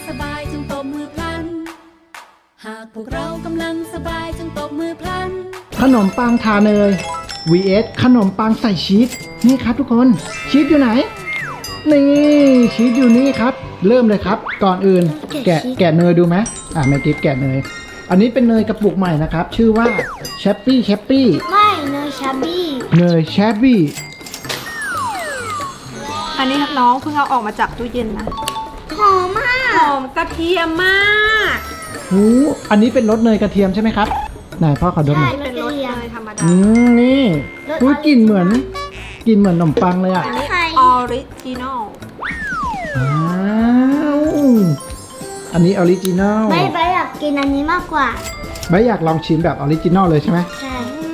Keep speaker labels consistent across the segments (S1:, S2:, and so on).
S1: สบายจงตบมือพลันหากพวกเรากำลังสบายจงตบมือพลัน
S2: ขนมปังทาเนย vs ขนมปังใส่ชีสนี่ครับทุกคนชีสอยู่ไหนนี่ชีสอยู่นี่ครับเริ่มเลยครับก่อนอื่นแกะเนยดูไหมแม่กิฟแกะเนยอันนี้เป็นเนยกระปุกใหม่นะครับชื่อว่าแชปปี้
S3: ไม่เนยชาบี้
S4: อันนี้น้องเพิ่งเอาออกมาจากตู้เย็นนะ
S3: หอมมาก
S4: หอมกระเทียมมาก
S2: อันนี้เป็นรสเนยกระเทียมใช่ไหมครับไหนพ่อขอดมหน่อย
S4: เป็นรสเนยธรรมดา
S2: นี่กลิ่นเหมือนขนมปังเลยอ่ะ
S4: อันนี้ออริจินอล
S2: อันนี้ออริจินัล
S3: ไม่อยากกินอันนี้มากกว่า
S2: ไม่อยากลองชิมแบบออริจินัลเลยใช่ไหม
S3: ใช่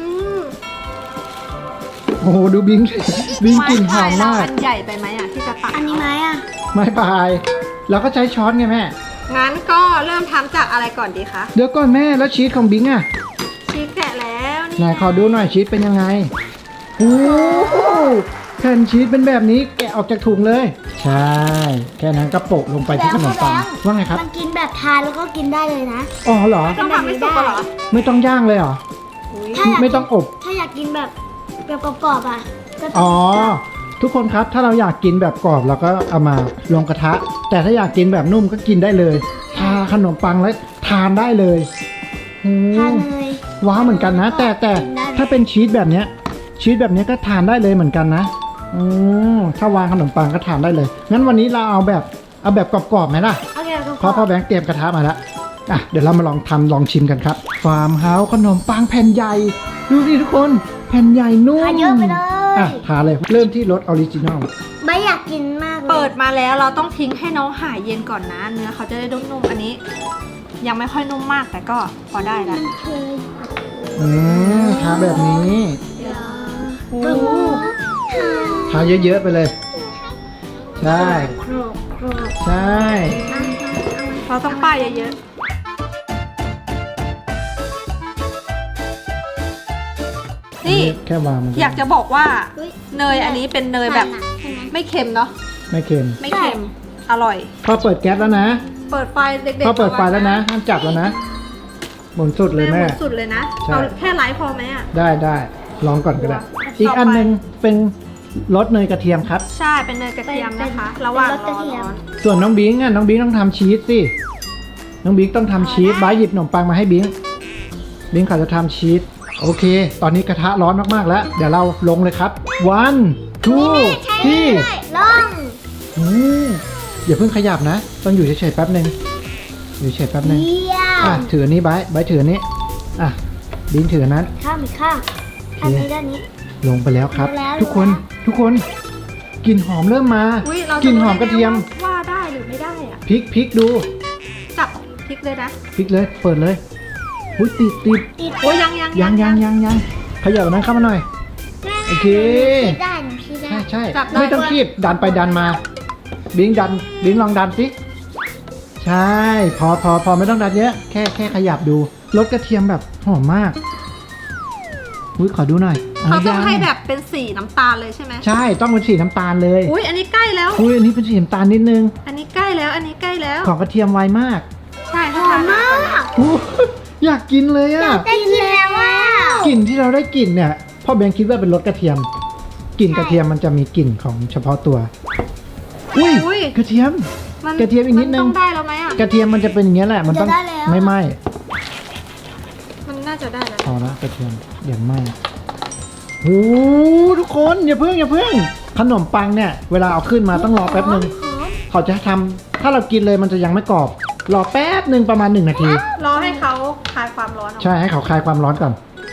S2: โอ้โหดูบิงกลิ่นหอมมาก
S4: อันใหญ่ไปไหมอ่ะที่จะตัก
S3: อันนี้ไหมอ่ะ
S2: ไม่ปลายเราก็ใช้ช้อนไงแม่
S4: งั้นก็เริ่มทำจากอะไรก่อนดีคะ
S2: เดี๋ยวก่อนแม่แล้วชีสของบิงอ่ะ
S4: ชีสแกะแล้วนี่
S2: ไหนขอดูหน่อยชีสเป็นยังไงโอ้แผ่นชีสเป็นแบบนี้แกะออกจากถุงเลยใช่แค่นั้นก็โปะลงไปที่ขนมปังว่าไงครับ
S3: มันกินแบบทานแล้วก็กินได้เลยนะ
S2: อ๋อเหรอ
S4: ต้องทำให้สุกเหรอ
S2: ไม่ต้องย่างเลยเหรอ
S3: ถ้าอยาก
S2: ไม่ต้องอบ
S3: ถ้าอยากกินแบบกรอบๆอ่ะก็ต้
S2: อ๋
S3: อง
S2: อทุกคนครับถ้าเราอยากกินแบบกรอบเราก็เอามาลงกระทะ แต่ถ้าอยากกินแบบนุ่มก็กินได้เลยทาขนมปังแล้วทานได้เลยโอ้
S3: ทานเลย
S2: ว้าวเหมือนกันนะ แต่ถ้าเป็นชีสแบบเนี้ยก็ทานได้เลยเหมือนกันนะถ้าวางขนมปังก็ทานได้เลยงั้นวันนี้เราเอาแบบกรอบๆไหมล่ะ
S3: โอเคก็
S2: เพราะพ่อแบงค์เตรียมกระทะมาแล้วเดี๋ยวเรามาลองชิมกันครับฟาร์มเฮาส์ขนมปังแผ่นใหญ่ดูดิทุกคนแผ่นใหญ่นุ่ม
S3: ทานเยอะไปเลย
S2: ทานเลยเริ่มที่รสออริจินอล
S3: ไม่อยากกินมากเลย
S4: เปิดมาแล้วเราต้องทิ้งให้น้องหายเย็นก่อนนะ เนื้อเขาจะได้นุ่มๆอันนี้ ยังไม่ค่อยนุ่มมากแต่ก็พอได้แล้ว
S2: ทาแบบนี้
S4: โอ้
S2: ทาเยอะๆไปเลย ใช่ ใช่
S4: เราต้องป้ายเยอะๆนี่
S2: แค่วางมัน
S4: อยากจะบอกว่าเนยอันนี้เป็นเนยแบบไม่เค็มเนาะ
S2: ไม่เค็ม
S4: ไม่เค็มอร่อย
S2: พอเปิดแก๊สแล้วนะ
S4: เปิดไฟเด็กๆ
S2: พอเปิดไฟแล้วนะห้ามจับแล้วนะหมุนสุดเลยแม่
S4: หมุนสุดเลยนะ
S2: ใช่
S4: เอาแค่ไลฟ์พอไหมอ่ะ
S2: ได้ลองก่อนก็ได้
S4: ต่อไป
S2: อีกอันหนึงเป็นรสเนยกระเทียมครับ
S4: ใช่เป็นเนยกระเทียมนะคะ ระหว่างรอร้อน
S2: ส่วนน้องบิงต้องทำชีสสิน้องบิงต้องทำชีสบายหยิบขนมปังมาให้บิงเขาจะทำชีสโอเค ตอนนี้กระทะร้อนมากๆแล้ว เดี๋ยวเราลงเลยครับ one two three
S3: ลอง
S2: อย่าเพิ่งขยับนะ ต้องอยู่เฉยๆแป๊บหนึ่งอยู่เฉยๆแป๊บหนึ่ง
S3: เยี่ยม
S2: ถืออันนี้ใบถืออันนี้บิงถืออันนั้น
S3: ข้ามอีกข้างอันนี้ด้านนี้
S2: ลงไปแล้วครับ
S3: ลงแล้ว
S2: ทุกคนกลิ่นหอมเริ่มมา
S4: อุ๊ยเรา
S2: กลิ่นหอมกระเทียม
S4: ว่าได้หรือไม่ได้อ่ะ
S2: พริกดู
S4: จับพริกเลยนะ
S2: พริกเลยเปิดเลยอุ้ยติด
S3: ติด
S4: โอ้ยยัง
S2: ขยับอันนั้นเข้ามาหน่อย โอเค
S3: ได้หนูพี่ได้
S2: ใช่
S4: จับได้
S2: ไม่ต้องคีบดันไปดันมาบิงลองดันสิใช่พอไม่ต้องดันเยอะแค่ขยับดูรสกระเทียมแบบหอมมากอุ้ยขอดูหน่อย
S4: เขาต้อง
S2: ยัง
S4: ให้แบบเป็นสีน้ำตาลเลยใช่ไหม
S2: ใช่ต้องเป็นสีน้ำตาลเลย
S4: อุ้ยอันนี้ใกล้แล้ว
S2: อุ้ยอันนี้เป็นสีน้ำตาลนิดนึง
S4: อันนี้ใกล้แล้ว อันนี้ใกล้แล้ว
S2: ของกระเทียมไวมาก
S4: ใช่
S3: ห
S4: ถ้า
S3: อม
S4: ทาน
S3: มาก
S2: อู้อยากกินเลยอ่ะ
S3: ได้กินแล้วว่าก
S2: ลิ่นที่เราได้กลิ่นเนี่ยพ่อแบงค์คิดว่าเป็นรสกระเทียมกลิ่นกระเทียมมันจะมีกลิ่นของเฉพาะตัวอุ้ยกระเทียม
S4: มัน
S2: กระเทียมอีกนิดนึง
S4: มันต้องได้แล้วไหมอ่ะ
S2: กระเทียมมันจะเป็นอย่างเงี้ยแหละมันต้องไม่ไหม้
S4: มันน่าจะได้แล้ว
S2: พอละกระเทียมอย่างไหม้โอ้ทุกคนอย่าเพิ่งขนมปังเนี่ยเวลาเอาขึ้นมาต้องรอแป๊บนึงเขาจะทำถ้าเรากินเลยมันจะยังไม่กรอบรอแป๊บนึงประมาณ1 นาที
S4: รอให้เขาคลายความร้อนออก
S2: ใช่ให้เขาคลายความร้อนก่อน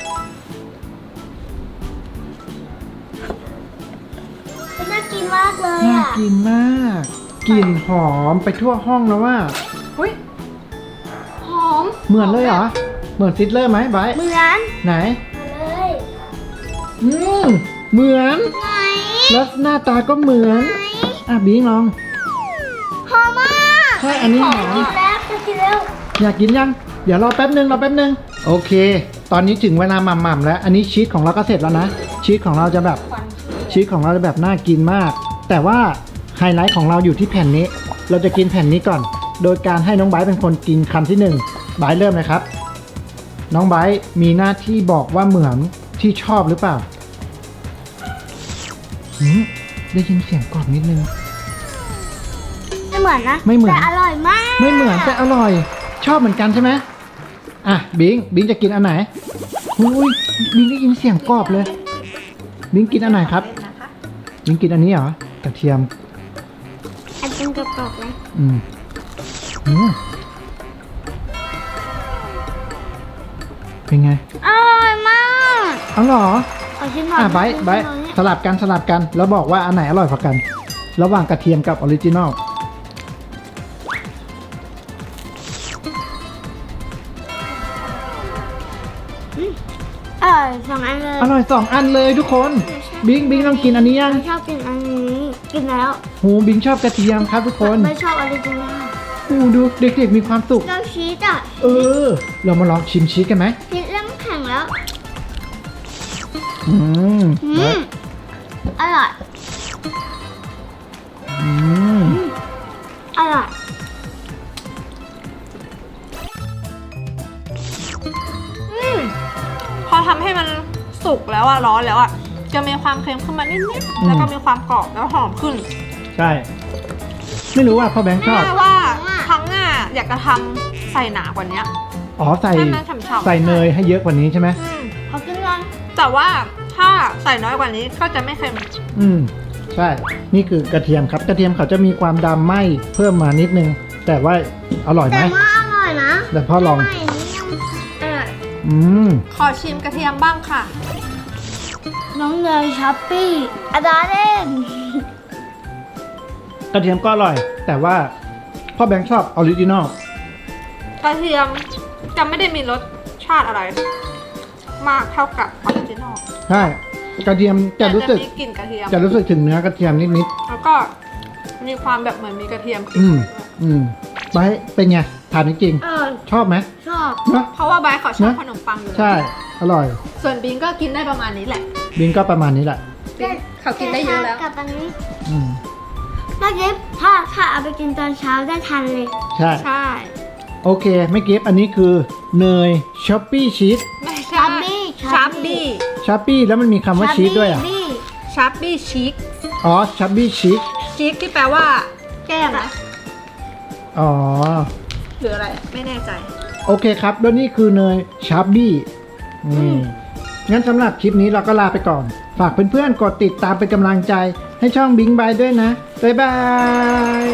S3: น่ากินมากเลย
S2: น่า
S3: อ่ะ
S2: กินมากกลิ่นหอมไปทั่วห้องแล้วว่า
S4: อุ้ยหอม
S2: เหมือนเลยเหรอเหมือนซิดเลอร์ไหมไบร์ท
S3: เหมือน
S2: ไหน
S3: มาเลย
S2: เหมือน
S3: ไหน
S2: แล้วหน้าตาก็เหมือนบิงลอง
S3: หอมมาก
S2: ใช่อันนี้หอม
S3: กินแล้วจะกินแล้ว
S2: อยากกินยังเดี๋ยวรอแป๊บนึงโอเค ตอนนี้ถึงเวลาหม่ำๆแล้ว อันนี้ชีสของเราก็เสร็จแล้วนะชีสของเราจะแบบน่ากินมาก แต่ว่าไฮไลท์ของเราอยู่ที่แผ่นนี้ เราจะกินแผ่นนี้ก่อนโดยการให้น้องไบร์ทเป็นคนกินคำที่1ไบร์ทเริ่มเลยครับน้องไบร์ทมีหน้าที่บอกว่าเหมือนที่ชอบหรือเปล่าได้ยินเสียงกรอบนิดนึง
S3: ไม่เหมือนนะ
S2: ไม่เหมือน
S3: แต่อร่อยมาก
S2: ไม่เหมือนแต่อร่อย ชอบเหมือนกันใช่ไหมอ่ะบิงจะกินอันไหนอุ้ยบิงได้ยินเสียงกรอบเลยบิงกินอันไหนครับ
S4: นะคะ
S2: บิงกินอันนี้เหรอกระเทียม
S3: อันเป็นกระป๋องเลย
S2: อืมเป็นไง
S3: อร่อยมาก
S2: อ๋อเหรอ
S3: ขอชิมหน่อย
S2: ไบร์ทสลับกันแล้วบอกว่าอันไหนอร่อยกว่ากัน ระหว่างกระเทียมกับออริจินอล
S3: อร่อยสองอันเลย
S2: อร่อย2อันเลยทุกคนบิงต้องกินอันนี้ยัง
S3: ไม่ชอบกินอันนี้กินแล้ว
S2: โหบิงชอบกระเทียมครับทุกคน
S3: ไม่ชอบออริจินอล
S2: โอ้ดูเด็กๆมีความสุข
S3: เราชีสอ่ะ
S2: เรามาลองชิมชีสกันไหม
S3: ชีสเริ่มแข็งแล้ว
S2: อืม
S3: อร่อย
S2: อืม
S3: อร่อย
S4: พอทำให้มันสุกแล้วอะร้อนแล้วอะจะมีความเค็มขึ้นมานิดๆแล้วก็มีความกรอบแล้วหอมขึ้น
S2: ใช่ ไม่รู้ว่าพ่อแบงค์ชอบ
S4: แม่ว่าครั้งหน้าอยากจะทำใส่หนากว่านี้
S2: อ๋อใส่
S4: ให้มันฉ่ำๆ
S2: ใส่เนยให้เยอะกว่านี้ใช่ไหม
S3: ขอกินก่อน
S4: แต่ว่าถ้าใส่น้อยกว่านี้ก็จะไม่เค็ม
S2: ใช่ นี่คือกระเทียมครับ กระเทียมเขาจะมีความดำไหม้เพิ่มมานิดนึง แต่ว่าอร่อยไหม
S3: แต่ว่าอร่อยนะ
S2: แต่พ่อลอง
S3: ไม่นี่ยังอร่อย
S2: อืม
S4: ขอชิมกระเทียมบ้างค่ะ
S3: น้องเนยช้อปปี้อาดาเล่น
S2: กระเทียมก็อร่อย แต่ว่าพ่อแบงค์ชอบออริจินอล
S4: กระเทียมจะไม่ได้มีรสชาติอะไร มากเท่ากับออริจินอล
S2: ใช่ กระเทียมจะรู้สึก
S4: มีกลิ่นกระเทียม
S2: จะรู้สึกถึงเนื้อกระเทียมนิด
S4: แล้วก็มีความแบบเหมือนมีกระเทียม
S2: ๆ
S4: ติดไว้ด้วย
S2: ไปเป็นไงถามจริง
S3: อร่อย
S2: ๆชอบไหม
S3: ชอบ
S2: เนอะ
S4: เพราะว่าไบร์ทเขาชอบ
S2: นะ
S4: ขนมปังอยู่แล้ว
S2: ใช่ อร่อย
S4: ส่วนบิงก็กินได้ประมาณนี้แหละ
S2: บิงก็ประมาณนี้แหละ
S4: บิงเขากินได้เยอะแล้ว
S3: กับอันนี้
S2: อืม
S3: ถ้าเก็บถ้าเอาไปกินตอนเช้าได้ทันเลย
S2: ใช่
S4: ใช่
S2: โอเค ไม่เก็บอันนี้คือเนยช็อปปี้ชีส
S4: ไม่ใช่
S3: ชับบี้
S4: ชับบี้
S2: ช็อปปี้แล้วมันมีคำว่าชีสด้วยอ่ะ
S3: บี้
S4: ชับบี้ชีก
S2: อ๋อช็อปปี้ชีส
S4: ชีกที่แปลว่า แก้มนะ
S2: อ๋อ
S4: หรืออะไรไม่แน่ใจ
S2: โอเคครับ แล้วนี่คือเนยชาร์บี้งั้นสำหรับคลิปนี้เราก็ลาไปก่อน ฝากเพื่อนๆ กดติดตามเป็นกำลังใจให้ช่องบิงบายด้วยนะ บ๊ายบาย